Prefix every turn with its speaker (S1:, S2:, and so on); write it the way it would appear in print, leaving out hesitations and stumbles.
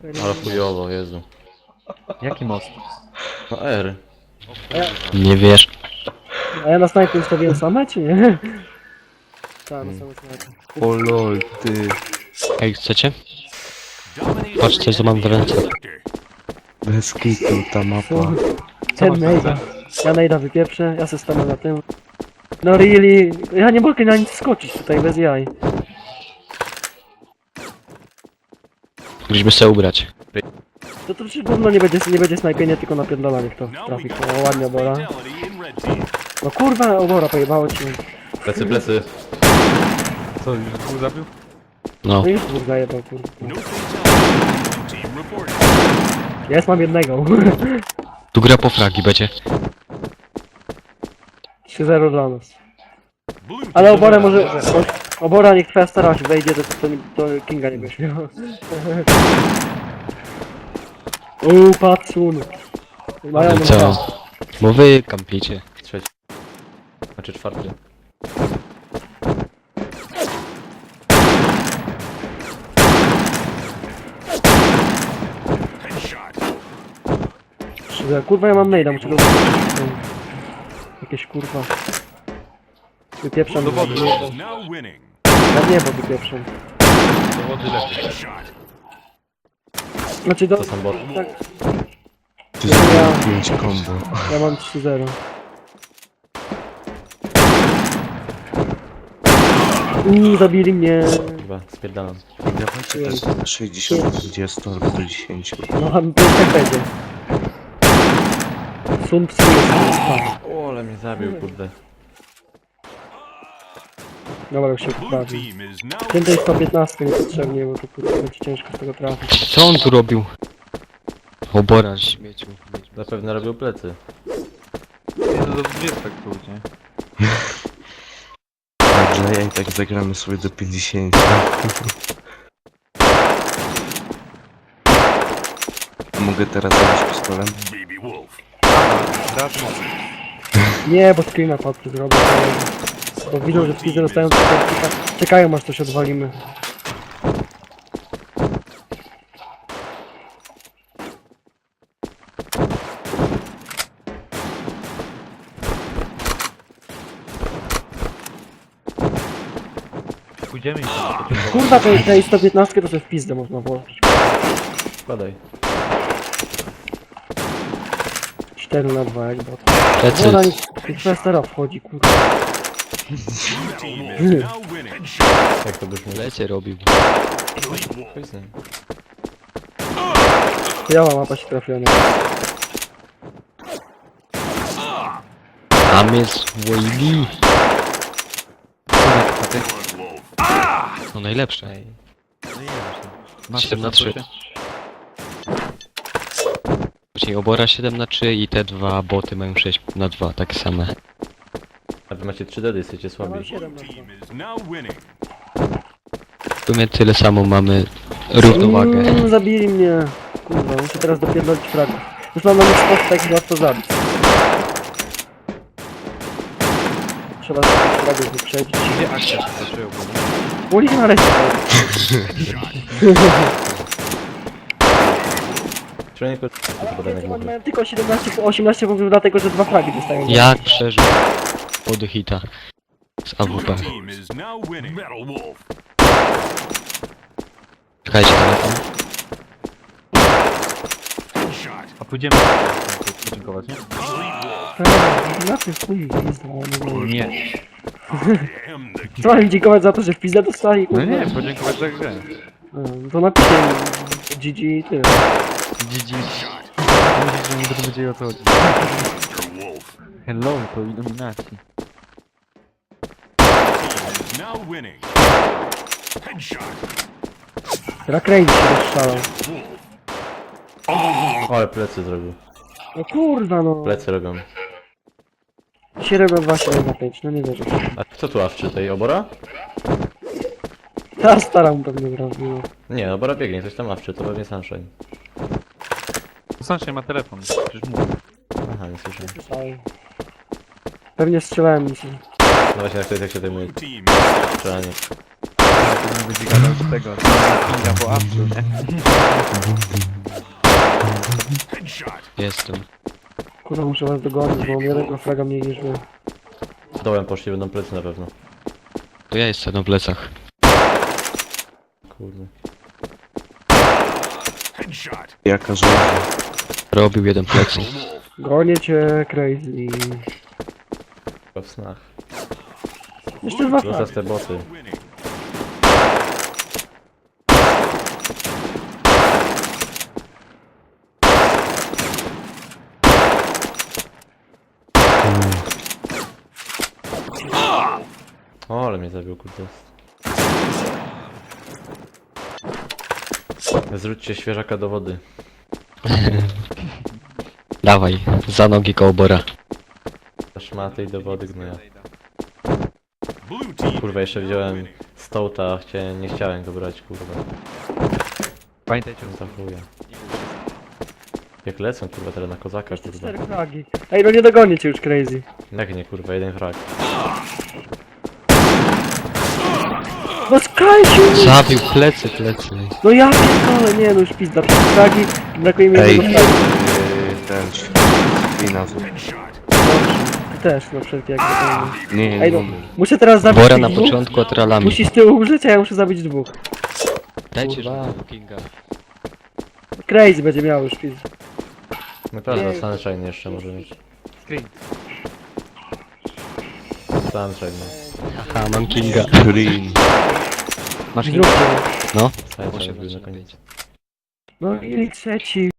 S1: Ale chujowo, Jezu.
S2: Jaki most?
S1: No R.
S3: Nie wiesz.
S4: A ja na snajpie ustawiłem same, czy nie? Tak, na same snajpy.
S2: O lol, ty.
S3: Ej, chcecie? Patrz, coś co mam w ręce.
S2: Bez kitu ta mapa.
S4: Ten nejda. Ja nejda wypieprzę, ja se stanę na tym. No really, ja nie mogę na nic skoczyć tutaj bez jaj.
S3: Musimy się ubrać.
S4: To przecież gówno nie będzie snajpienie, tylko napierdolanie kto trafi. O, ładnie obora. No kurwa, obora pojebało ci.
S1: Plecy, plecy.
S2: Co, już dwóch zabił?
S3: No.
S4: No już dwóch zajebał, kurwa. Jest, mam jednego.
S3: Tu gra po fragi będzie.
S4: 3-0 dla nas. Ale obora może... Obora niech twoja stara się wejdzie, to Kinga nie będzie miał. Patsun. Mają
S3: I co? Bo wy kampicie.
S1: Trzeci. Znaczy czwarty.
S4: Kurwa, ja mam maila, muszę go wypieprzyć. Jakieś kurwa. Wypieprzam.
S2: Do wody.
S4: Ja w niebo wypieprzam.
S2: Do wody lepiej.
S4: Znaczy do...
S1: To są boty.
S4: Tak,
S2: Ty
S4: Ja-
S2: zrobił 5 combo.
S4: ja mam 3-0. Zabili mnie.
S1: Chyba, spierdalam.
S2: Dawajcie tak 60 do 20 albo do 10.
S4: No, to jest tak będzie. Sun Tzu jest spadł.
S1: O, ale mnie zabił, kurde.
S4: Dobra, już się poprawi. Więcej 115 niepotrzebnie, bo to kurwa będzie ciężko z tego trafić.
S3: Co on tu robił? Obora śmieciu.
S1: Zapewne robił plecy.
S2: Nie, no do 20 tu, nie? Dobrze, ja i tak zagramy sobie do 50. A mogę teraz zabić pistolem?
S4: Nie, bo screena padł zrobił. Bo widzą, że wszyscy dostają czekają aż coś odwalimy.
S2: Pójdziemy i
S4: Kurwa, tej 115 to sobie w pizdę można włożyć.
S1: Wkładaj.
S4: 4 na 2 jak bot.
S3: Plecy.
S4: Woda niech twoja stara wchodzi, kurwa.
S1: Jak to byśmy...
S3: Plecy robił.
S1: Chodź z nim.
S4: Biała mapa się trafiona.
S3: Tam jest Wavy. No najlepsze. 7 na 3. Czyli obora 7 na 3 i te dwa boty mają 6 na 2, tak same.
S1: A wy macie 3 dedy, jesteście
S4: Ja mam
S1: słabi.
S4: 7 na 2.
S3: W sumie tyle samo mamy równowagę.
S4: Zabili mnie. Kurwa, muszę teraz dopierdolić fragów. Już mam na nich sposób tak łatwo zabić. Trzeba tych fragów wyprzedzić.
S2: Gdzie akcja się zaczęła?
S4: Ulic na resztę.
S1: Przynajmniej tylko podaj jak mogę.
S4: Mają tylko 18 punktów dlatego, że 2 fragi dostają.
S3: Jak przeżył pod hita z AWP. Czekajcie telefon.
S2: A pójdziemy podziękować, nie?
S4: Na tym chuj pizda,
S2: Nie.
S4: Co mam im dziękować za to, że w pizdę dostali?
S2: No
S4: Kurwa?
S2: nie, podziękować za grę.
S4: To napiszę im GG i tyle.
S2: GG. Mówisz, że nie będę wiedzieli o co chodzi. Hello, to iluminacji.
S4: Rakrane się rozszalał.
S1: O, ale plecy zrobił.
S4: No kurwa no.
S1: Plecy robią.
S4: 7 na 2, 7 na 5, no nie wierzę.
S1: A kto tu awczy tej obora?
S4: Ta stara mu pewnie zrobiła.
S1: Nie, obora biegnie, coś tam awczy, to pewnie Sunshine.
S2: Sunshine ma telefon, przecież mówię.
S1: Aha, nie słyszę.
S4: Słyszałem. Pewnie strzelałem mi się.
S1: No właśnie, jak to jest, jak się zajmuje strzelanie.
S2: to będzie gadał z tego, Kinga po awczu, nie?
S3: Jestem.
S4: Kurwa, muszę was dogonić, bo mam jednego fraga mniej niż wy.
S1: Dołem poszli, będą plecy na pewno.
S3: To ja jestem na plecach.
S1: Kurde.
S5: Jaka żołnierz.
S3: Robił jeden plecy.
S4: Gonię cię, crazy.
S1: Chyba w snach.
S4: Jeszcze dwa fragi.
S1: Zostaw te boty. O, ale mnie zabił, kurde. Zrzućcie świeżaka do wody.
S3: Dawaj, za nogi kołbora.
S1: Szmaty i do wody gnoja. Kurwa, jeszcze wziąłem stołta, nie chciałem go brać, kurwa.
S2: Pamiętajcie,
S1: No to chuja. Jak lecą, kurwa, teraz na kozaka, kurwa.
S4: 4 fragi. Ej, no nie dogonię cię już, crazy.
S1: Jak nie, kurwa, jeden frag.
S4: No skajcie!
S3: Zabił plecy.
S4: No ja pierdolę, nie no już pizda. 4 fragi, brakuje mi
S5: Ej,
S4: jednego fraga.
S5: ten... Spina.
S4: Ty też, no wszelkie jak to.
S5: Nie,
S4: Ej
S5: nie,
S4: no,
S5: nie.
S4: muszę teraz zabić
S3: Bora
S4: tych
S3: na
S4: dwóch.
S3: początku atralami.
S4: Musisz z tyłu umrzeć, a ja muszę zabić dwóch.
S3: Dajcie
S4: Kurwa.
S3: żółtego Kinga.
S4: Crazy będzie miał już pizda.
S1: Naprawdę,
S4: Nie.
S1: Sunshine jeszcze może mieć.
S2: screen.
S1: Sunshine, no.
S3: Haha, mam Kinga.
S5: Green.
S2: Masz Kinga?
S4: Zróbcie.
S3: No.
S1: Sunshine był na koniec.
S4: No i trzeci.